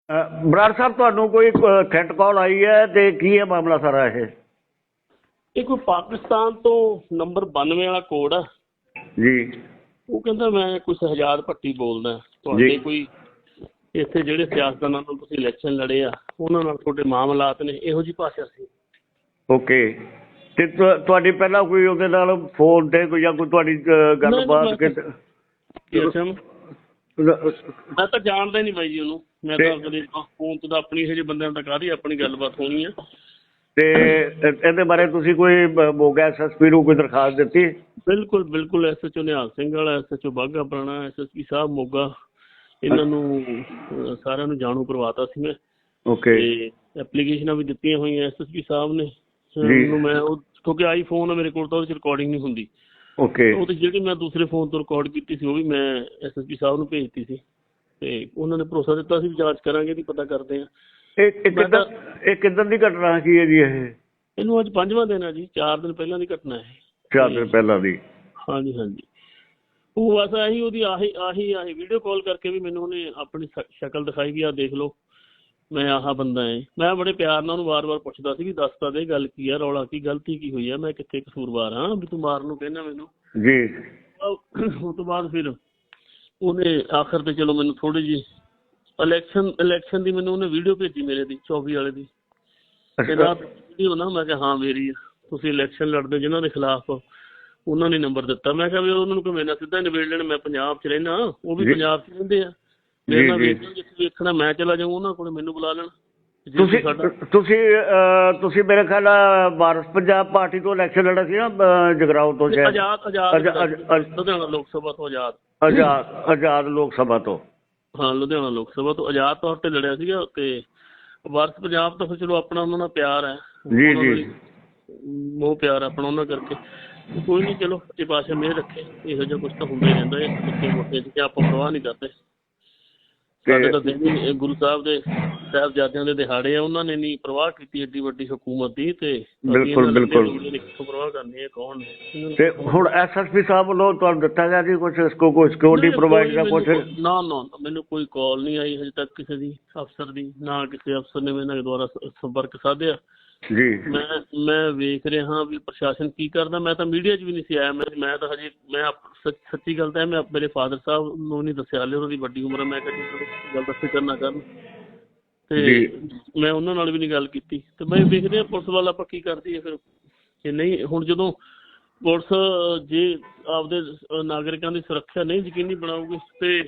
ਬਰਾੜ ਸਾਹਿਬ ਤੁਹਾਨੂੰ ਕੋਈ threat call ਆਈ ਹੈ ਤੇ ਕੀ ਹੈ ਮਾਮਲਾ ਸਾਰਾ ਇਹ ਕੋਈ ਪਾਕਿਸਤਾਨ ਤੋਂ ਨੰਬਰ 92 ਵਾਲਾ ਕੋਡ ਆ ਜੀ। ਉਹ ਕਹਿੰਦਾ ਮੈਂ ਕੁਛ ਹਜਾਦ ਭੱਟੀ ਬੋਲਦਾ, ਤੁਹਾਡੇ ਕੋਈ ਇੱਥੇ ਜਿਹੜੇ ਸਿਆਸਤਦਾਨਾਂ ਨਾਲ ਤੁਸੀਂ ਇਲੈਕਸ਼ਨ ਲੜੇ ਆ ਉਹਨਾਂ ਨਾਲ ਤੁਹਾਡੇ ਮਾਮਲਾਤ ਨੇ, ਇਹੋ ਜਿਹੀ ਭਾਸ਼ਾ ਸੀ। ਓਕੇ, ਤੇ ਤੁਹਾਡੀ ਪਹਿਲਾਂ ਕੋਈ ਉਹਦੇ ਨਾਲ ਫੋਨ ਤੇ ਕੋਈ ਜਾਂ ਕੋਈ ਤੁਹਾਡੀ ਗੱਲਬਾਤ? ਮੈਂ ਤਾਂ ਜਾਣਦਾ ਹੀ ਨਹੀਂ ਬਾਈ ਜੀ ਉਹਨੂੰ, ਮੈਂ ਤਾਂ ਕਦੇ ਫੋਨ ਤੇ ਤਾਂ ਆਪਣੀ ਇਹੋ ਜਿਹੇ ਬੰਦਿਆਂ ਨਾਲ ਕਾਹਦੀ ਆਪਣੀ ਗੱਲਬਾਤ ਹੋਣੀ ਆ। ਤੇ ਇਹਦੇ ਬਾਰੇ ਤੁਸੀਂ ਕੋਈ ਮੋਗਾ SSP ਨੂੰ ਕੋਈ ਦਰਖਾਸਤ ਦਿੱਤੀ? ਬਿਲਕੁਲ ਬਿਲਕੁਲ, SHO ਨਿਹਾਲ ਸਿੰਘ ਵਾਲਾ, SHO ਬਾਘਾ ਪੁਰਾਣਾ, SSP ਸਾਹਿਬ ਮੋਗਾ, ਇਹਨਾਂ ਨੂੰ ਸਾਰਿਆਂ ਨੂੰ ਜਾਣੂ ਕਰਵਾਤਾ ਸੀ ਮੈਂ। ਓਕੇ, ਤੇ ਐਪਲੀਕੇਸ਼ਨਾਂ ਵੀ ਦਿੱਤੀਆਂ ਹੋਈਆਂ SSP ਸਾਹਿਬ ਨੇ ਮੈਂ, ਉਹ ਕਿਉਂਕਿ ਆਈਫੋਨ ਆ ਮੇਰੇ ਕੋਲ ਤਾਂ ਉਹਦੇ 'ਚ ਰਿਕਾਰਡਿੰਗ ਨਹੀਂ ਹੁੰਦੀ। ਓਕੇ, ਉਹ ਤੇ ਜਿਹੜੀ ਮੈਂ ਦੂਸਰੇ ਫੋਨ ਤੋਂ ਰਿਕਾਰਡ ਕੀਤੀ ਸੀ ਉਹ ਵੀ ਮੈਂ SSP ਸਾਹਿਬ ਨੂੰ ਭੇਜਤੀ ਸੀ ਤੇ ਉਹਨਾਂ ਨੇ ਭਰੋਸਾ ਦਿੱਤਾ ਸੀ ਵੀ ਜਾਂਚ ਕਰਾਂਗੇ ਦੀ ਪਤਾ ਕਰਦੇ ਆ। ਇਹ ਕਿੱਦਾਂ ਦੀ ਘਟਨਾ ਕੀ ਹੈ ਜੀ? ਇਹਨੂੰ ਅੱਜ 5ਵਾਂ ਦਿਨ ਹੈ ਜੀ, 4 ਦਿਨ ਪਹਿਲਾਂ ਦੀ ਘਟਨਾ ਹੈ। 4 ਦਿਨ ਪਹਿਲਾਂ ਦੀ? ਹਾਂਜੀ ਹਾਂਜੀ, ਉਹ ਬਸ ਆਹੀ ਉਹਦੀ ਆਹੀ ਵੀਡੀਓ ਕਾਲ ਕਰਕੇ ਵੀ ਮੈਨੂੰ ਉਹਨੇ ਆਪਣੀ ਸ਼ਕਲ ਦਿਖਾਈ ਵੀ ਆਹ ਦੇਖ ਲਓ ਮੈਂ ਆਹ ਬੰਦਾ ਹੈ। ਮੈਂ ਬੜੇ ਪਿਆਰ ਨਾਲ ਉਹਨੂੰ ਵਾਰ-ਵਾਰ ਪੁੱਛਦਾ ਸੀ ਵੀ ਦੱਸ ਤਾਂ ਦੇ ਗੱਲ ਕੀ ਆ, ਰੌਲਾ ਕੀ, ਗਲਤੀ ਕੀ ਹੋਈ ਆ, ਮੈਂ ਕਿੱਥੇ ਕਸੂਰਵਾਰ ਹਾਂ ਵੀ ਤੂੰ ਮਾਰਨ ਨੂੰ ਕਹਿੰਦਾ ਮੈਨੂੰ ਜੀ। ਉਸ ਤੋਂ ਬਾਅਦ ਫਿਰ ਉਹਨੇ ਆਖਰ ਤੇ ਚਲੋ ਮੈਨੂੰ ਥੋੜੀ ਜਿਹੀ ਇਲੈਕਸ਼ਨ ਦੀ ਮੈਨੂੰ ਉਹਨੇ ਵੀਡੀਓ ਭੇਜੀ ਮੇਰੇ ਦੀ 24 ਵਾਲੇ ਦੀ, ਵੀਡੀਓ ਨਾ, ਮੈਂ ਕਿਹਾ ਹਾਂ ਮੇਰੀ ਆ, ਤੁਸੀਂ ਇਲੈਕਸ਼ਨ ਲੜਦੇ ਜਿਹਨਾਂ ਦੇ ਖਿਲਾਫ, ਉਹਨਾਂ ਨੇ ਨੰਬਰ ਦਿੱਤਾ। ਮੈਂ ਕਿਹਾ ਵੀ ਉਹਨਾਂ ਨੂੰ ਮੇਰੇ ਨਾਲ ਸਿੱਧਾ ਨਿਬੇੜ ਲੈਣ, ਮੈਂ ਪੰਜਾਬ 'ਚ ਰਹਿਣਾ, ਉਹ ਵੀ ਪੰਜਾਬ 'ਚ ਰਹਿੰਦੇ ਆ, ਮੇਰੇ ਨਾਲ ਵੇਖਣਾ, ਮੈਂ ਚਲਾ ਜਾਊਂ ਉਹਨਾਂ ਕੋਲ, ਮੈਨੂੰ ਬੁਲਾ ਲੈਣ। ਤੁਸੀਂ ਮੇਰੇ ਖਿਆਲ ਵਾਰਸ ਪੰਜਾਬ ਪਾਰਟੀ ਤੋਂ ਇਲੈਕਸ਼ਨ ਲੜਾ ਸੀ ਨਾ, ਜਗਰਾਉਂ ਤੋਂ? ਲੁਧਿਆਣਾ ਲੋਕ ਸਭਾ ਤੋਂ ਆਜ਼ਾਦ ਲੋਕ ਸਭਾ ਤੋਂ? ਹਾਂ, ਲੁਧਿਆਣਾ ਲੋਕ ਸਭਾ ਤੋਂ ਆਜ਼ਾਦ ਤੌਰ ਤੇ ਲੜਿਆ ਸੀਗਾ। ਤੇ ਵਾਰਸ ਪੰਜਾਬ ਤੋਂ ਫਿਰ ਚਲੋ ਆਪਣਾ ਉਹਨਾਂ ਨਾਲ ਪਿਆਰ ਹੈ ਜੀ ਜੀ, ਮੋਹ ਪਿਆਰ ਆਪਣਾ ਉਹਨਾਂ ਕਰਕੇ। ਕੋਈ ਨਹੀਂ, ਚਲੋ ਇਹ ਪਾਸੇ ਮਿਹਰ ਰੱਖੇ, ਇਹੋ ਜਿਹਾ ਕੁਛ ਤਾਂ ਹੁੰਦਾ ਹੀ ਰਹਿੰਦਾ ਹੈ ਬੱਚੇ ਮੋਟੇ ਚ, ਆਪਾਂ ਪਰਵਾਹ ਨਹੀਂ ਕਰਦੇ। ਸਾਡੇ ਤਾਂ ਦਿਨ ਗੁਰੂ ਸਾਹਿਬ ਦੇ ਸਾਹਿਬਜ਼ਾਦਿਆਂ ਦੇ ਦਿਹਾੜੇ ਆ, ਉਹਨਾਂ ਨੇ ਨਹੀਂ ਪਰਵਾਹ ਕੀਤੀ ਏਡੀ ਵੱਡੀ ਹਕੂਮਤ ਦੀ, ਤੇ ਬਿਲਕੁਲ ਪਰਵਾਹ ਕਰਨੀ ਹੈ ਕੌਣ ਨੇ। ਤੇ ਹੁਣ SSP ਸਾਹਿਬ ਵੱਲੋਂ ਤੁਹਾਨੂੰ ਦਿੱਤਾ ਗਿਆ ਜੀ ਕੁਛ ਕੋਈ ਸਿਕਿਉਰਿਟੀ ਪ੍ਰੋਵਾਈਡ ਦਾ ਕੁਛ? ਨਾ, ਮੈਨੂੰ ਕੋਈ ਕਾਲ ਨਹੀਂ ਆਈ ਹਜੇ ਤੱਕ ਕਿਸੇ ਦੀ ਅਫਸਰ ਦੀ, ਨਾ ਕਿਸੇ ਅਫਸਰ ਨੇ ਮੇਰੇ ਦੁਆਰਾ ਸੰਪਰਕ ਸਾਧਿਆ ਜੀ। ਮੈਂ ਵੇਖ ਰਿਹਾ ਵੀ ਪ੍ਰਸ਼ਾਸਨ ਕੀ ਕਰਦਾ। ਮੈਂ ਤਾਂ ਮੀਡੀਆ 'ਚ ਵੀ ਨਹੀਂ ਸੀ ਆਇਆ, ਮੈਂ ਤਾਂ ਹਜੇ, ਮੈਂ ਸੱਚੀ ਗੱਲ ਤਾਂ ਮੈਂ ਮੇਰੇ ਫਾਦਰ ਸਾਹਿਬ ਨੂੰ ਨਹੀਂ ਦੱਸਿਆ, ਹਾਲੇ ਉਹਨਾਂ ਦੀ ਵੱਡੀ ਉਮਰ ਹੈ, ਮੈਂ ਕਿਹਾ ਗੱਲ ਤਾਂ ਫਿਕਰ ਨਾ ਕਰਨ, ਤੇ ਮੈਂ ਉਹਨਾਂ ਨਾਲ ਵੀ ਨਹੀਂ ਗੱਲ ਕੀਤੀ। ਤੇ ਮੈਂ ਵੇਖਦੇ ਹਾਂ ਪੁਲਿਸ ਵੱਲ ਆਪਾਂ ਕੀ ਕਰਦੀ ਹੈ ਫਿਰ, ਜੇ ਨਹੀਂ ਹੁਣ ਜਦੋਂ ਪੁਲਿਸ ਜੇ ਆਪਦੇ ਨਾਗਰਿਕਾਂ ਦੀ ਸੁਰੱਖਿਆ ਨਹੀਂ ਯਕੀਨੀ ਬਣਾਊਗੀ ਤੇ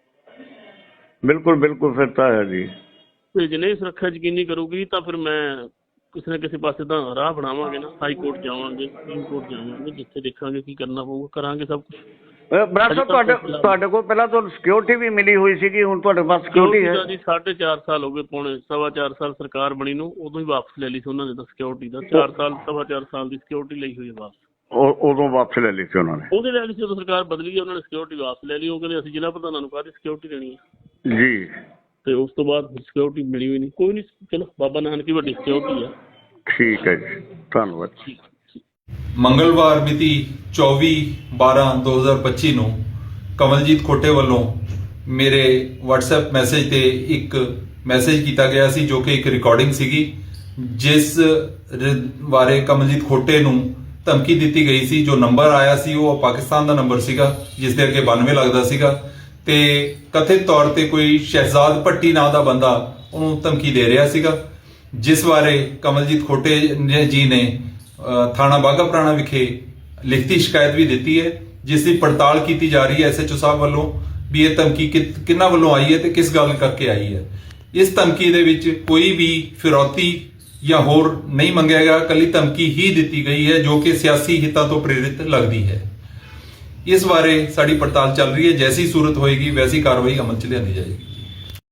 ਬਿਲਕੁਲ ਫਿਰ ਤਾਂ ਹੈ ਜੀ, ਤੇ ਜੇ ਨਹੀਂ ਸੁਰੱਖਿਆ ਯਕੀਨੀ ਕਰੂਗੀ ਤਾਂ ਫਿਰ ਮੈਂ ਕਿਸੇ ਨਾ ਕਿਸੇ ਪਾਸੇ ਤਾਂ ਰਾਹ ਬਣਾਵਾਂਗੇ ਨਾ, ਹਾਈ ਕੋਰਟ ਜਾਵਾਂਗੇ, ਸੁਪਰੀਮ ਕੋਰਟ ਜਾਵਾਂਗੇ, ਜਿੱਥੇ ਦੇਖਾਂਗੇ ਕੀ ਕਰਨਾ ਪਊਗਾ, ਕਰਾਂਗੇ ਸਭ ਕੁਛ। ਬਰਾੜ ਸਾਹਿਬ ਤੁਹਾਡੇ ਕੋਲ ਪਹਿਲਾਂ ਤੁਹਾਨੂੰ ਸਿਕਿਉਰਿਟੀ ਵੀ ਮਿਲੀ ਹੋਈ ਸੀਗੀ, ਹੁਣ ਤੁਹਾਡੇ ਪਾਸ ਸਿਕਿਉਰਿਟੀ ਹੈ ਜੀ? 4.5 ਸਾਲ ਹੋ ਗਏ, ਪੌਣੇ 4.25 ਸਾਲ ਸਰਕਾਰ ਬਣੀ ਨੂੰ, ਉਦੋਂ ਹੀ ਵਾਪਸ ਲੈ ਲਈ ਸੀ ਉਹਨਾਂ ਨੇ ਤਾਂ ਸਿਕਿਉਰਿਟੀ ਦਾ। 4.25 ਸਾਲ ਦੀ ਸਿਕਿਉਰਿਟੀ ਲਈ ਹੋਈ ਹੈ ਵਾਪਸ, ਉਦੋਂ ਵਾਪਸ ਲੈ ਲਈ ਸੀ ਉਹਨਾਂ ਨੇ? ਉਹਦੇ ਲੈ ਲਈ ਸੀ, ਜਦੋਂ ਸਰਕਾਰ ਬਦਲੀ ਗਈ ਉਹਨਾਂ ਨੇ ਸਿਕਿਉਰਿਟੀ ਵਾਪਸ ਲੈ ਲਈ। ਉਹ ਕਹਿੰਦੇ ਅਸੀਂ ਜ਼ਿਲ੍ਹਾ ਪ੍ਰਧਾਨਾਂ ਨੂੰ ਕਾਹਦੀ ਸਿਕਿਉਰਿਟੀ ਦੇਣੀ ਹੈ ਜੀ, ਤੇ ਉਸ ਤੋਂ ਬਾਅਦ ਸਿਕਿਉਰਿਟੀ ਮਿਲੀ ਹੋਈ ਨਹੀਂ। ਕੋਈ ਨਹੀਂ, ਚਲੋ ਬਾਬਾ ਨਾਨਕ ਦੀ ਵੱਡੀ ਸਿਕਿਉਰਿਟੀ ਆ। ਠੀਕ ਹੈ ਜੀ, ਧੰਨਵਾਦ। ਮੰਗਲਵਾਰ ਮਿਤੀ 24/12/2025 ਨੂੰ ਕਮਲਜੀਤ ਖੋਟੇ ਵੱਲੋਂ ਮੇਰੇ WhatsApp ਮੈਸੇਜ ਤੇ ਇੱਕ ਮੈਸੇਜ ਕੀਤਾ ਗਿਆ ਸੀ, ਜੋ ਕਿ ਇੱਕ ਰਿਕਾਰਡਿੰਗ ਸੀਗੀ, ਜਿਸ ਬਾਰੇ ਕਮਲਜੀਤ ਖੋਟੇ ਨੂੰ ਧਮਕੀ ਦਿੱਤੀ ਗਈ ਸੀ। ਜੋ ਨੰਬਰ ਆਇਆ ਸੀ ਉਹ ਪਾਕਿਸਤਾਨ ਦਾ ਨੰਬਰ ਸੀਗਾ, ਜਿਸ ਦੇ ਅੱਗੇ 92 ਲੱਗਦਾ ਸੀਗਾ, ਤੇ ਕਥਿਤ ਤੌਰ ਤੇ ਕੋਈ ਸ਼ਹਿਜ਼ਾਦ ਭੱਟੀ ਨਾਂ ਦਾ ਬੰਦਾ ਉਹਨੂੰ ਧਮਕੀ ਦੇ ਰਿਹਾ ਸੀਗਾ, ਜਿਸ ਬਾਰੇ ਕਮਲਜੀਤ ਖੋਟੇ ਜੀ ਨੇ ਥਾਣਾ ਬਾਘਾ ਪੁਰਾਣਾ ਵਿਖੇ ਲਿਖਤੀ ਸ਼ਿਕਾਇਤ ਵੀ ਦਿੱਤੀ ਹੈ, ਜਿਸ ਦੀ ਪੜਤਾਲ ਕੀਤੀ ਜਾ ਰਹੀ ਹੈ SHO ਸਾਹਿਬ ਵੱਲੋਂ ਵੀ ਇਹ ਧਮਕੀ ਕਿਹਨਾਂ ਵੱਲੋਂ ਆਈ ਹੈ ਤੇ ਕਿਸ ਗੱਲ ਕਰਕੇ ਆਈ ਹੈ। ਇਸ ਧਮਕੀ ਦੇ ਵਿੱਚ ਕੋਈ ਵੀ ਫਿਰੌਤੀ ਜਾਂ ਹੋਰ ਨਹੀਂ ਮੰਗਿਆ ਗਿਆ, ਇਕੱਲੀ ਧਮਕੀ ਹੀ ਦਿੱਤੀ ਗਈ ਹੈ, ਜੋ ਕਿ ਸਿਆਸੀ ਹਿੱਤਾਂ ਤੋਂ ਪ੍ਰੇਰਿਤ ਲੱਗਦੀ ਹੈ। ਇਸ ਬਾਰੇ ਸਾਡੀ ਪੜਤਾਲ ਚੱਲ ਰਹੀ ਹੈ, ਜੈਸੀ ਸੂਰਤ ਹੋਏਗੀ ਵੈਸੀ ਕਾਰਵਾਈ ਅਮਲ 'ਚ ਲਿਆਂਦੀ ਜਾਏਗੀ।